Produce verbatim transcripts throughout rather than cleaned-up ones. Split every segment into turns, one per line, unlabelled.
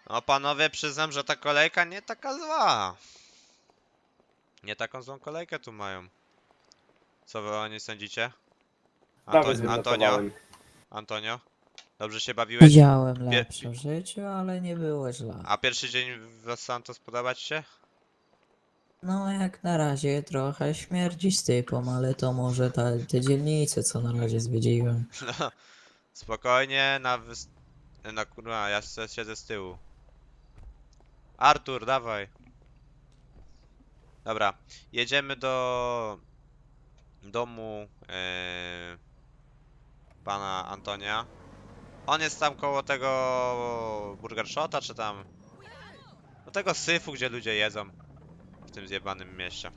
No panowie, przyznam, że ta kolejka nie taka zła. Nie taką złą kolejkę tu mają. Co wy o niej sądzicie? Anto
Nawet
Antonio?
wynotowałem.
Antonio? Dobrze się bawiłeś?
Widziałem
Pier
lepsze w życiu, ale nie było źle.
A pierwszy dzień w Los Santos podoba ci się?
No jak na razie trochę śmierdzi stypą, ale to może ta, te dzielnice, co na razie zwiedziłem.
No, spokojnie, na wys... Na kurwa, ja se- siedzę z tyłu. Artur, dawaj. Dobra, jedziemy do domu e, pana Antonia. On jest tam koło tego Burger Shota, czy tam... Do tego syfu, gdzie ludzie jedzą. W tym zjebanym mieście.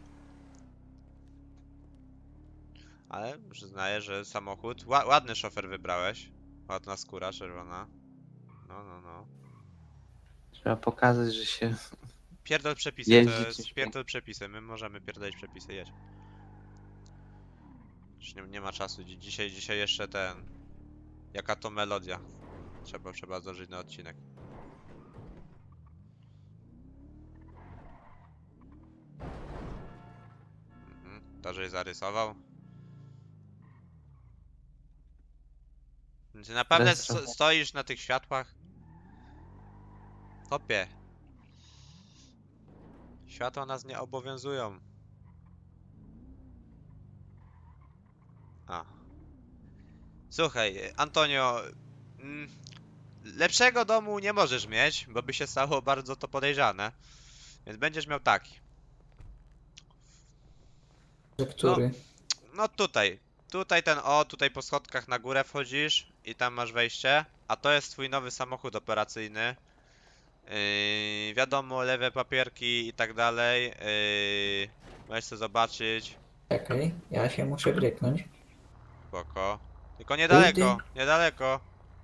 Ale przyznaję, że samochód... Ła ładny szofer wybrałeś. Ładna skóra czerwona. No, no, no.
Trzeba pokazać, że się
Pierdol przepisy, to
jeździ
jest
czymś
pierdol przepisy. My możemy pierdolić przepisy, jedź. Już nie, nie ma czasu. Dzi- Dzisiaj, dzisiaj jeszcze ten... Jaka to melodia. Trzeba, trzeba zdążyć na odcinek. Mhm. To, żeś zarysował. Ty naprawdę
Retro.
sto stoisz na tych światłach? Hopie. Światła nas nie obowiązują. A. Słuchaj, Antonio, mm, lepszego domu nie możesz mieć, bo by się stało bardzo to podejrzane. Więc będziesz miał taki.
Że który?
No tutaj. Tutaj ten o, tutaj po schodkach na górę wchodzisz i tam masz wejście. A to jest twój nowy samochód operacyjny. Yy, wiadomo, lewe papierki i tak dalej. Yy, możesz sobie zobaczyć.
Czekaj, ja się muszę bryknąć.
Spoko. Tylko niedaleko,
Pójdę.
niedaleko.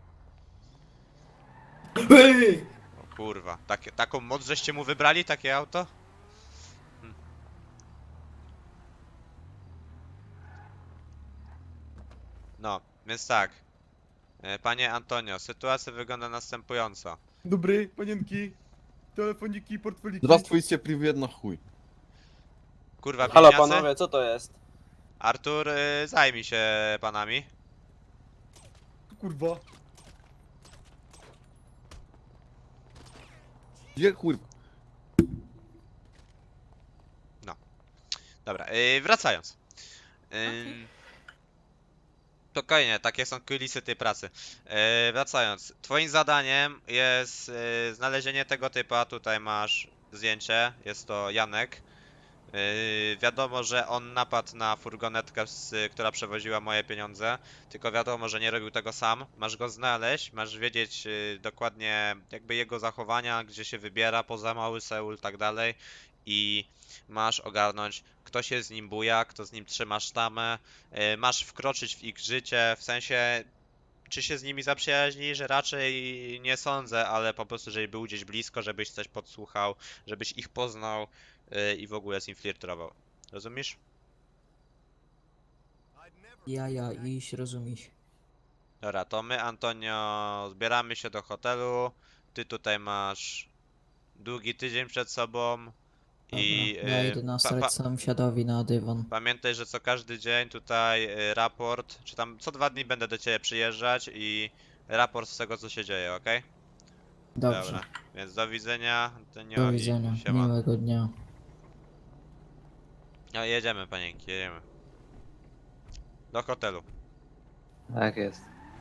Ej!
O kurwa, takie, taką moc żeście mu wybrali, takie auto? Hm. No, więc tak. E, Panie Antonio, sytuacja wygląda następująco.
Dobry, panienki. Telefoniki, portfeliki.
Здравствуйте, привет, нахуй.
Kurwa,
Halo
bliźniacy?
panowie, co to jest?
Artur, y, zajmij się panami.
Kurwa.
Где хуй?
Dobra, yy, wracając. Ym, Spokojnie, takie są kulisy tej pracy. Yy, wracając, twoim zadaniem jest yy, znalezienie tego typa. Tutaj masz zdjęcie, jest to Janek. Yy, wiadomo, że on napadł na furgonetkę, z, która przewoziła moje pieniądze. Tylko wiadomo, że nie robił tego sam. Masz go znaleźć, masz wiedzieć yy, dokładnie jakby jego zachowania, gdzie się wybiera poza Mały Seul, tak dalej. I masz ogarnąć, kto się z nim buja, kto z nim trzyma sztamę. Yy, masz wkroczyć w ich życie, w sensie czy się z nimi zaprzyjaźnisz? Raczej nie sądzę, ale po prostu, żeby był gdzieś blisko, żebyś coś podsłuchał, żebyś ich poznał yy, i w ogóle z nim flirtował. Rozumiesz?
Ja, ja, iść, rozumiesz.
Dobra, to my, Antonio, zbieramy się do hotelu. Ty tutaj masz długi tydzień przed sobą. I
Dobra, ja
yy,
idę
pa,
nasrać
pa,
sąsiadowi na dywan.
pamiętaj, że co każdy dzień tutaj yy, raport, czy tam co dwa dni będę do ciebie przyjeżdżać i raport z tego, co się dzieje, ok?
Dobrze,
Dobra, więc do widzenia, Antonio,
do
i
widzenia,
siema.
miłego dnia.
No jedziemy, panienki, jedziemy. Do hotelu.
tak jest.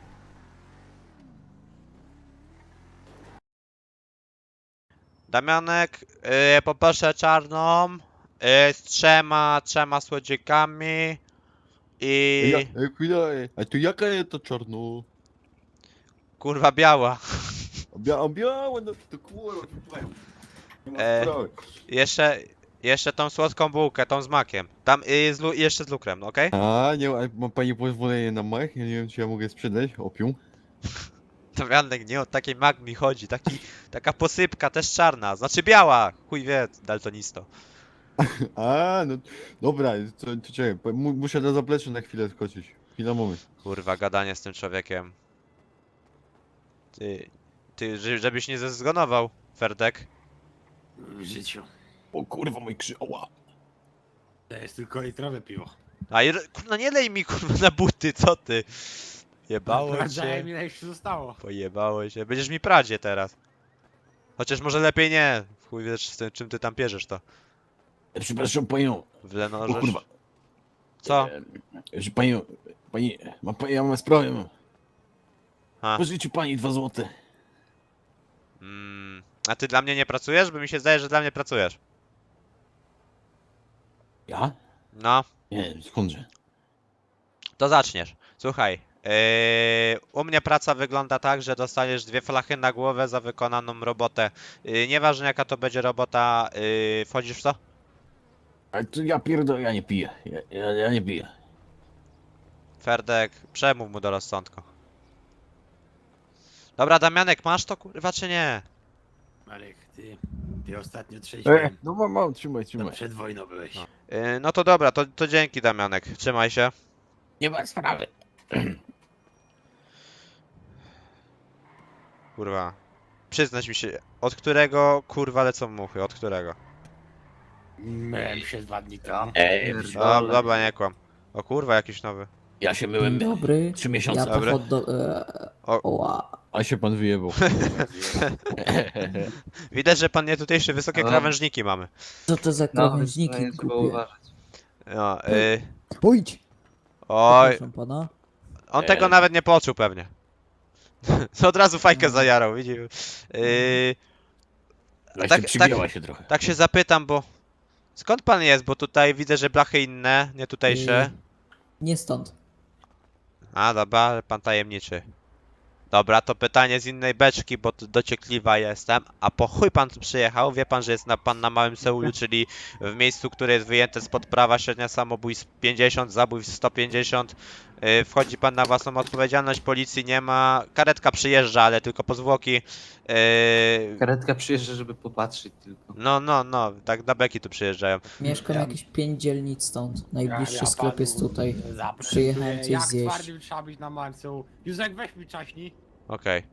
Damianek, yy, poproszę czarną, yy, z trzema, trzema słodzikami i...
Я, э, куда, э, а то яка это черно?
kurwa biała.
Бя, бя, no to kurwa. Nie ma
E.
sprawy.
Jeszcze, jeszcze tą słodką bułkę, tą z makiem. Tam yy, z lu- jeszcze z lukrem, no okej?
A, nie ma pani pozwolenia na mak? Ja nie wiem, czy ja mogę sprzedać opium.
Damianek, nie o taki mak mi chodzi, taki, taka posypka, też czarna, znaczy biała, chuj wie, daltonisto.
A, no dobra, to, to czekaj, po- mu, muszę do zaplecza na chwilę skoczyć. Chwila, moment.
Kurwa, gadanie z tym człowiekiem. Ty, ty, że- żebyś nie zezgonował, Ferdek.
W życiu.
O kurwa, mój krzyż, oła.
To jest tylko litrowe piwo.
A i, kurwa, nie lej mi kurwa na buty, co ty? Jebało
Sprawdzałem,
cię.
ile jeszcze zostało.
Pojebało się. Będziesz mi pradzie teraz. Chociaż może lepiej nie. Chuj wiesz, z tym, czym ty tam pierzesz to.
E, Przepraszam panią.
W
O
Lenorze.
kurwa.
Co?
E, że Panią, pani, ma, pani- ja mam sprawę, mam.
A.
Pożyczę pani dwa złote.
Mm. A ty dla mnie nie pracujesz? Bo mi się zdaje, że dla mnie pracujesz.
Ja?
No,
Nie, skądże?
to zaczniesz. Słuchaj. Yy, u mnie praca wygląda tak, że dostaniesz dwie flachy na głowę za wykonaną robotę. Yy, nieważne jaka to będzie robota, yy, wchodzisz w to?
Ale to ja pierdolę, ja nie piję. Ja, ja, ja nie piję.
Ferdek, przemów mu do rozsądku. Dobra, Damianek, masz to kurwa czy nie?
Marek, ty, ty ostatnio trzeźwiej.
no mam, mam, trzymaj,
To
trzymaj.
przed wojną byłeś.
No. Yy, no to dobra, to, to dzięki Damianek. Trzymaj się.
Nie ma sprawy.
Kurwa. Przyznać mi się, od którego kurwa lecą muchy, od którego?
Myłem się dwa dni temu.
Ej,
No, dobra, nie kłam. O kurwa, jakiś nowy.
ja się
Dzień
myłem
dobry.
trzy miesiące.
Ja
Dobry.
pochod do... E,
O.
oła.
A się pan wyjebał.
Widać, że pan nie tutejsze wysokie
No.
krawężniki mamy.
Co to za
No,
krawężniki
więc trzeba
głupie?
uważać.
No, yy,
Pójdź!
oj,
Przepraszam pana.
on tego
Eee.
nawet nie poczuł pewnie. Od razu fajkę zajarał, widzi. Yy,
Właśnie
tak,
przygięła
tak,
się trochę.
tak się zapytam, bo skąd pan jest? Bo tutaj widzę, że blachy inne, nie tutejsze.
Nie stąd.
A, dobra, ale pan tajemniczy. Dobra, to pytanie z innej beczki, bo tu dociekliwa jestem. A po chuj pan tu przyjechał? Wie pan, że jest na, pan na Małym Seulu, czyli w miejscu, które jest wyjęte spod prawa, średnia samobójstw pięćdziesiąt, zabójstw sto pięćdziesiąt. Yy, wchodzi pan na własną odpowiedzialność, policji nie ma. Karetka przyjeżdża, ale tylko po zwłoki. Yy,
Karetka przyjeżdża, żeby popatrzeć tylko.
no, no, no, tak na beki tu przyjeżdżają.
Mieszkam
Ja-
jakieś pięć dzielnic stąd. Najbliższy
Ja- ja
sklep jest
panu
tutaj.
zaprezentuję,
Przyjechałem coś
jak
zjeść.
twardym trzeba być na Marcu. Józek, weź mi czaśnij.
Okej.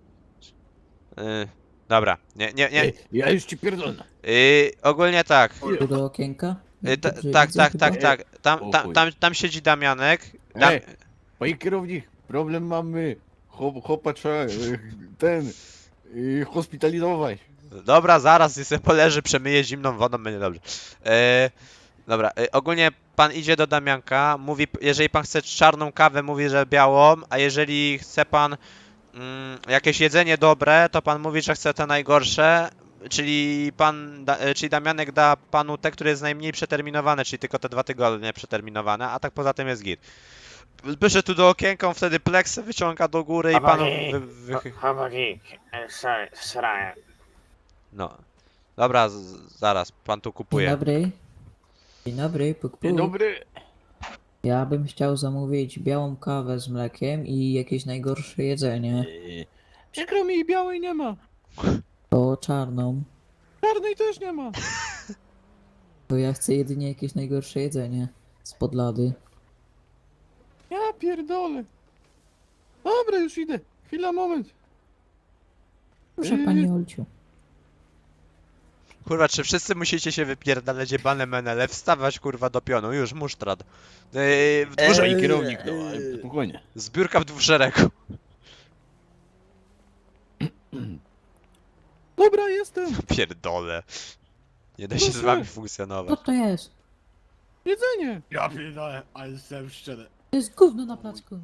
Yy, dobra, nie, nie, nie.
Ej, ja już ci pierdolę.
Yy, ogólnie tak.
Tu do okienka?
Y, ta,
Dobrze
tak,
widzę
tak,
chyba?
tak, tak. Tam,
O
tam,
chuj.
tam, tam siedzi Damianek. Dam...
Ej, panie kierownik, problem mamy. Chłop, chłopa trzeba, e, ten, e, hospitalizować.
Dobra, zaraz sobie poleży, przemyje zimną wodą, będzie dobrze. E, dobra, e, ogólnie pan idzie do Damianka, mówi, jeżeli pan chce czarną kawę, mówi, że białą, a jeżeli chce pan mm, jakieś jedzenie dobre, to pan mówi, że chce te najgorsze. Czyli pan, da, e, czyli Damianek da panu te, które jest najmniej przeterminowane, czyli tylko te dwa tygodnie przeterminowane, a tak poza tym jest git. Bierze tu do okienka, on wtedy pleksę wyciąga do góry i panu wy, wy,
Chłopaki, sorry, sorry.
no. Dobra, z, zaraz, pan tu
Dzień
kupuje.
dobry. Dzień dobry, puk,
Dzień
puk.
dobry.
Ja bym chciał zamówić białą kawę z mlekiem i jakieś najgorsze jedzenie.
E, Przykro mi, białej nie ma.
To czarną.
Czarnej też nie ma.
To ja chcę jedynie jakieś najgorsze jedzenie. Spod lady.
Ja pierdolę. Dobra, już idę. Chwila, moment.
Proszę
Yy.
pani Olciu.
Kurwa, czy wszyscy musicie się wypierdalać jebane menele, wstawać kurwa do pionu, już musztrad. Yy, w dwóch,
Panie kierownik, no, ale spokojnie.
zbiórka w dwóch szeregu.
Dobra, jestem.
Pierdole. Nie da się z
Proszę.
wami
Co
funkcjonować.
to jest?
Jedzenie.
Ja pierdolę, ale jestem szczery.
To jest gówno na placku.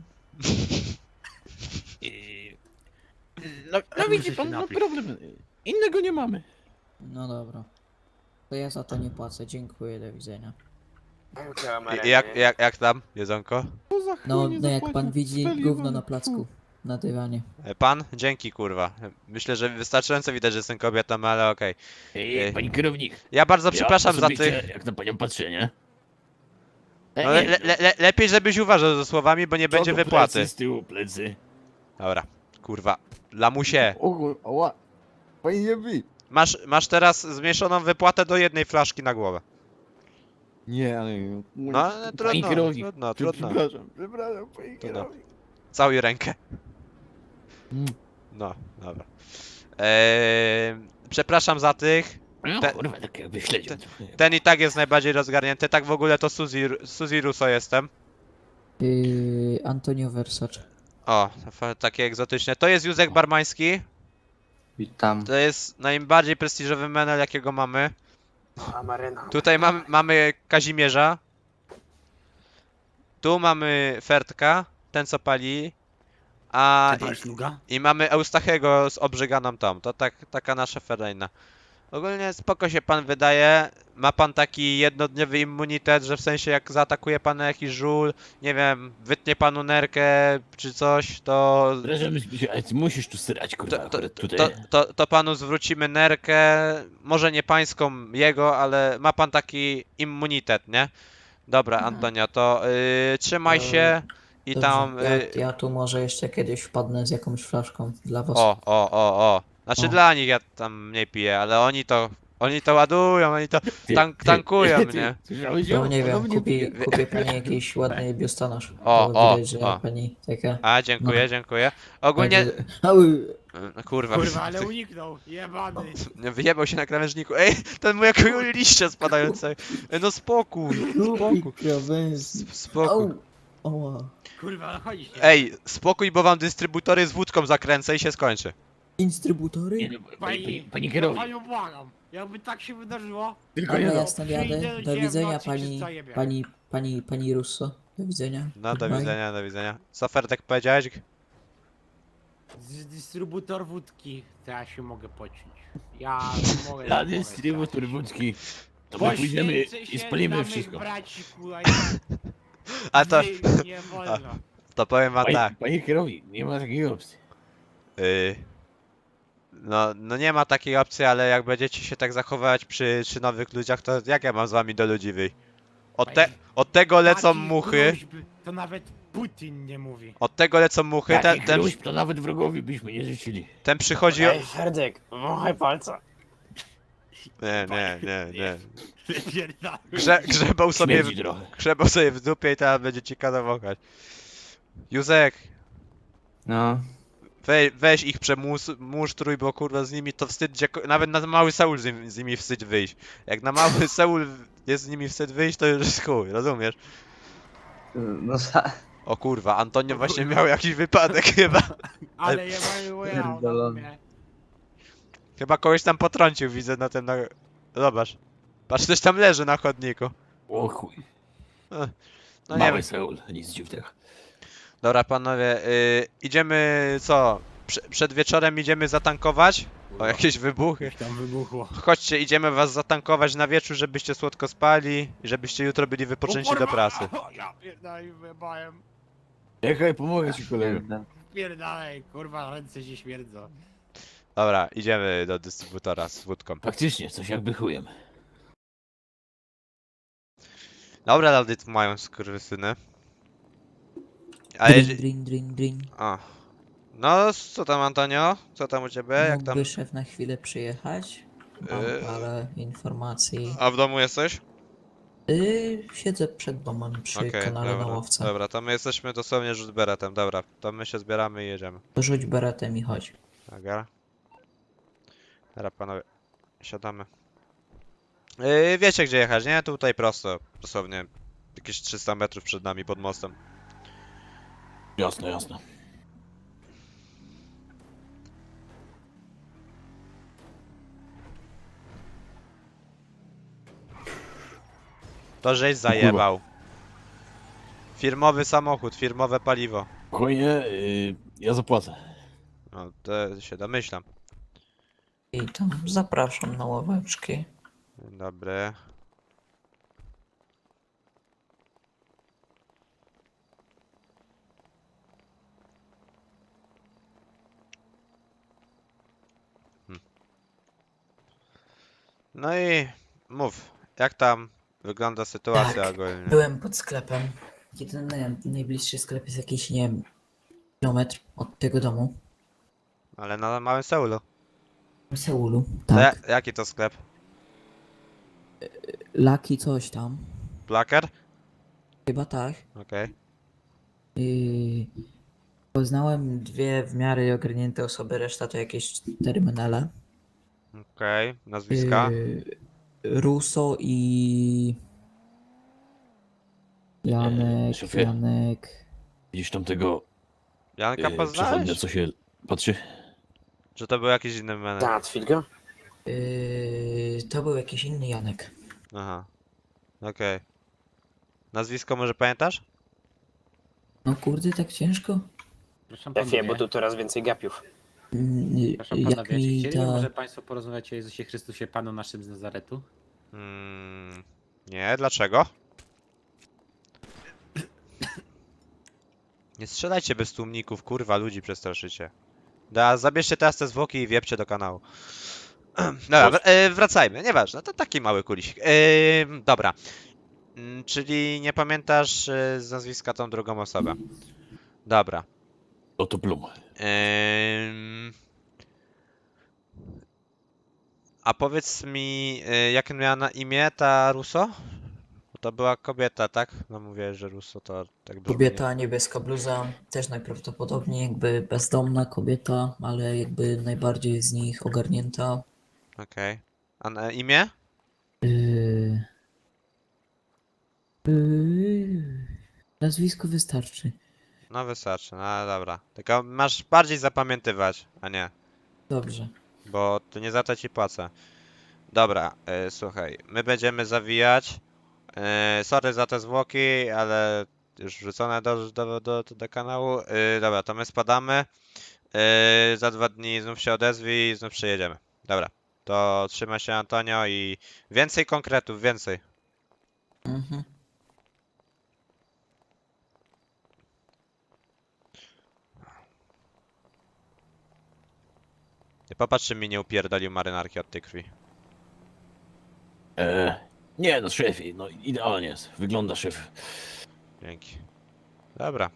No,
Ja
no
muszę
widzi
się
pan, no
napić.
problem. Innego nie mamy.
No dobra. To ja za to nie płacę. Dziękuję, do widzenia.
I, jak, jak, jak tam, jedzonko?
Co za chuj
No,
nie
no jak
zapłacił?
pan widzi,
Strzelił
gówno
wam.
na placku. Na dywanie.
E, Pan? Dzięki kurwa. Myślę, że wystarczająco widać, że jestem kobietą, ale okej.
Ej,
Ej.
pani kierownik.
Ja bardzo przepraszam
ja
za
osobiście,
tych...
Jak na panią patrzę, nie? Ej,
No, le, le, le, lepiej żebyś uważał ze słowami, bo nie
co
będzie
to
wypłaty.
Plecy, z tyłu plecy.
Dobra, kurwa. Lamusie.
O, oła. Pani nie bij.
Masz, masz teraz zmniejszoną wypłatę do jednej flaszki na głowę.
Nie, ale...
No, ale
Pani
trudno,
kierownik.
trudno,
Czy-
trudno.
Przepraszam, przepraszam, pani
Trudno.
kierownik.
Całuj rękę.
Mm.
No, dobra. Eee, przepraszam za tych.
No
Te-
kurwa, tak jakby śledził. trochę.
Ten i tak jest najbardziej rozgarnięty. Tak w ogóle to Suzy, Suzy Russo jestem.
Yy, Antonio Versace.
O, fa- takie egzotyczne. To jest Józek Barmański.
Witam.
To jest najbardziej prestiżowy menel, jakiego mamy.
Amaryna.
Tutaj mamy, mamy Kazimierza. Tu mamy Fertka, ten co pali. A
Ty masz nuga?
i, i mamy Eustachego z obrzeganą tą. To tak, taka nasza ferajna. Ogólnie spoko się pan wydaje. Ma pan taki jednodniowy immunitet, że w sensie jak zaatakuje pana jakiś żul, nie wiem, wytnie panu nerkę czy coś, to
Wrażamy się, ale ty musisz tu srać, kurwa,
to, to,
akurat tutaj.
to, to, to panu zwrócimy nerkę, może nie pańską jego, ale ma pan taki immunitet, nie? Dobra, Antonio, to yy, trzymaj
To
się i
Dobrze,
tam...
ja,
Yy,
ja tu może jeszcze kiedyś wpadnę z jakąś flaszką dla was.
o, o, o, o. Znaczy
O.
dla nich ja tam mniej piję, ale oni to... Oni to ładują, oni to
Ty-
tank,
ty-
tankują,
ty-
nie?
Słyszałeś
No
ją?
nie
Ona
wiem,
mnie
kupi,
pije.
kupię pani jakiś ładny biustonosz.
O,
Bo
o,
widać, że
o.
pani taka...
A, dziękuję,
No.
dziękuję. Ogólnie...
Także- Au,
Yy, Kurwa,
Kurwa, ale uniknął, jebany.
wyjebał się na krawężniku. Ej, ten mój jak liście spadające. Ej, no spokój, spokój,
krawędzi.
spokój.
Au, ała.
Kurwa, no chodź.
Ej, spokój, bo wam dystrybutory z wódką zakręcę i się skończy.
Instrybutory?
Nie, no, pani, pani,
Pani,
pani kierownik,
panią błagam. Jakby tak się wydarzyło,
tylko
Dobra,
nie
ja
no.
stąd
Przyjdę
jadę.
do
Do
ciebie w
widzenia
nocy,
pani,
czy zajebie?
pani, pani, pani Russo. Do widzenia.
No, do
Goodbye.
widzenia, do widzenia. Co Ferdek powiedziałeś?
z dystrybutor wódki, to ja się mogę pociąć. Ja mogę...
Na
mogę
dystrybutor
stać.
wódki. To my pójdziemy
Poświęcę
i
się
spalimy
dla mych
wszystko.
braci, kurwa,
A to,
nie, nie wolno.
to powiem wam
Pani,
tak.
pani kierownik, nie ma takiej opcji.
Yy, no, no nie ma takiej opcji, ale jak będziecie się tak zachowywać przy, przy nowych ludziach, to jak ja mam z wami do ludzi wyjść? Od, te, od tego lecą
Takich
muchy,
gruźb to nawet Putin nie mówi.
od tego lecą muchy, ten,
Takich
ten,
gruźb to nawet wrogowi byśmy nie życzyli.
ten przychodzi... o-
Ej, Ferdek, wąchaj palca.
Nie, nie, nie, nie.
Wypierdalaj.
Grze, grzebał sobie,
Śmierdzi
w,
trochę.
grzebał sobie w dupie i teraz będzie ci kazał wąchać. Józek,
No.
we, weź ich przemusztruj, bo kurwa z nimi to wstyd, gdzie, nawet na mały Seul z, nim- z nimi wstyd wyjść. Jak na mały Seul jest z nimi wstyd wyjść, to już jest chuj, rozumiesz?
No za...
O kurwa, Antonio właśnie miał jakiś wypadek chyba.
Ale ja mam
Pierdolony.
mnie.
Chyba kogoś tam potrącił, widzę na tym, na... Zobacz. Patrz, ktoś tam leży na chodniku.
O chuj.
No nie
Mały
wiem.
Seul, nic dziwnego.
Dobra panowie, y, idziemy co? Prze przed wieczorem idziemy zatankować? O jakieś wybuchy.
Coś tam wybuchło.
Chodźcie, idziemy was zatankować na wieczór, żebyście słodko spali i żebyście jutro byli wypoczęci do pracy.
Ja pierdolę, wyjebałem.
Czekaj, pomogę ci kolego.
Pierdalej, kurwa, ręce się śmierdzą.
Dobra, idziemy do dystrybutora z wódką.
Faktycznie, coś jakby chujem.
Dobra, audyt mają skurwysyny. A
Drin,
jeśli...
drin, drin, drin.
O. No, co tam Antonio? Co tam u ciebie? Jak tam?
Mógłby szef na chwilę przyjechać? Mam
Yy.
parę informacji.
A w domu jesteś?
Yy, siedzę przed domem przy
Okej,
kanale na
dobra,
ławce.
dobra, to my jesteśmy dosłownie rzut beretem, dobra, to my się zbieramy i jedziemy.
To rzuć beretem i chodź.
Dobra. Dobra panowie, siadamy. Yy, wiecie gdzie jechać, nie? Tutaj prosto, dosłownie jakieś trzysta metrów przed nami pod mostem.
Jasne, jasne.
To żeś zajebał. Firmowy samochód, firmowe paliwo.
Spokojnie, yy, ja zapłacę.
No, to się domyślam.
I tam zapraszam na ławeczki.
Dzień dobry. Hmm. No i mów, jak tam wygląda sytuacja
Tak,
ogólnie?
Byłem pod sklepem. Jedyny najbliższy sklep jest jakiś, nie wiem, kilometr od tego domu.
Ale na małym Seulu.
W Seulu.
To
Tak.
ja, jaki to sklep?
Laki coś tam.
Plaker?
Chyba tak.
Okej.
Yy, Poznałem dwie w miarę ogarnięte osoby, reszta to jakieś cztery menele.
Okej, nazwiska?
Yy, Russo i... Janek,
szefie.
Janek...
Widzisz tamtego
Janka
yy,
poznałeś?
przechodnia, co się patrzy?
Czy to był jakiś inny menek?
Załatwić go?
Yy, to był jakiś inny Janek.
Aha. Okej. Nazwisko może pamiętasz?
No kurde, tak ciężko?
Proszę
Szefie,
panowie,
bo tu coraz więcej gapiów.
Mm,
proszę
Jak
panowie, czy
mi
chcieliby
ta...
może państwo porozmawiać o Jezusie Chrystusie, Panu naszym z Nazaretu?
Mm, nie, dlaczego? Nie strzelajcie bez tłumników, kurwa, ludzi przestraszycie. Da, zabierzcie teraz te zwłoki i wiepcie do kanału. Dobra, wr- e, wracajmy, nieważne, to taki mały kulisik. E, dobra. Mm, czyli nie pamiętasz e, z nazwiska tą drugą osobę. Dobra.
Oto Plum.
Ym... A powiedz mi, y, jak miała na imię ta Russo? Bo to była kobieta, tak? No mówię, że Russo to tak brzmi.
Kobieta, niebieska bluza, też najprawdopodobniej jakby bezdomna kobieta, ale jakby najbardziej z nich ogarnięta.
Okej. A na imię?
Yy... Yy... Nazwisko wystarczy.
No wystarczy, no dobra. Tylko masz bardziej zapamiętywać, a nie.
Dobrze.
Bo to nie za to ci płacę. Dobra, y, słuchaj, my będziemy zawijać. Y, sorry za te zwłoki, ale już wrzucone do, do, do, do kanału. Y, dobra, to my spadamy. Y, za dwa dni znów się odezwij i znów przyjedziemy. Dobra, to trzymaj się Antonio i więcej konkretów, więcej.
Mhm.
Nie popatrz, czy mi nie upierdolił marynarki od tej krwi.
E, nie no, szefie, no idealnie jest. Wygląda szef.
Dzięki. Dobra.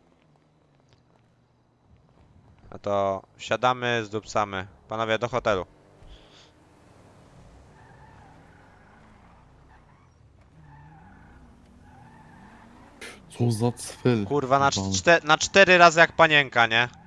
No to wsiadamy, zdupcamy. Panowie, do hotelu.
Co za cfel.
Kurwa, na,
Pan.
czte na cztery razy jak panienka, nie?